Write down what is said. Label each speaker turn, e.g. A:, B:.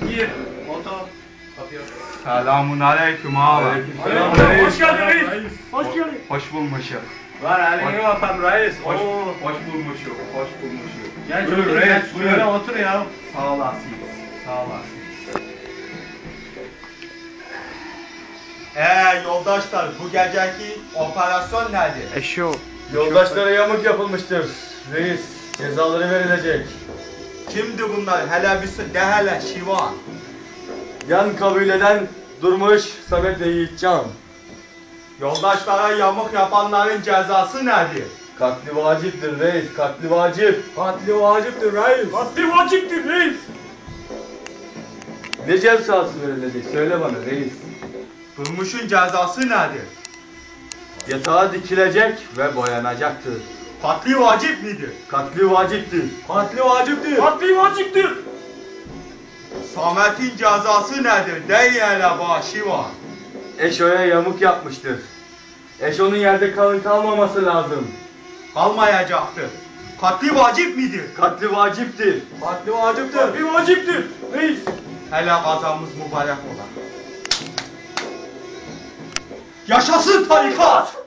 A: Gir. Otur. Kapıyı.
B: Selamun aleyküm abi.
A: Aleyküm. Hoş geldin reis. Hoş geldin.
B: Hoş bulmuşum.
A: Var elini öpem reis.
B: Hoş bulmuşum. Hoş bulmuşum.
A: Gel
B: Buyur
A: şöyle
B: reis,
A: buyur.
B: buyur.
A: Otur ya.
B: Sağ olasın. Sağ olasın.
C: Yoldaşlar, bu geceki operasyon nedir?
B: Eşo.
D: Yoldaşlara yamuk yapılmıştır. Reis, cezaları verilecek.
C: Kimdi bunlar? Hele bir de hele Şivan.
D: Yan kabileden Durmuş Samet ve Yiğitcan.
C: Yoldaşlara yamuk yapanların cezası nedir?
D: Katli vaciptir reis, katli vacip.
C: Katli vaciptir reis.
A: Katli vaciptir reis.
D: Ne cezası verilecek söyle bana reis.
C: Durmuş'un cezası nedir?
D: Yatağa dikilecek ve boyanacaktır.
C: Katli vacip midir?
D: Katli vaciptir.
C: Katli vaciptir.
A: Katli vaciptir.
C: Samet'in cezası nedir? Değil hele bana Şivan.
D: Eşo'ya yamuk yapmıştır. Eşo'nun yerde kalmaması lazım.
C: Kalmayacaktır. Katli vacip midir?
D: Katli vaciptir.
C: Katli vaciptir.
A: Katli vaciptir. Reis.
C: Hele kazamız mübarek ola. Yaşasın tarikat!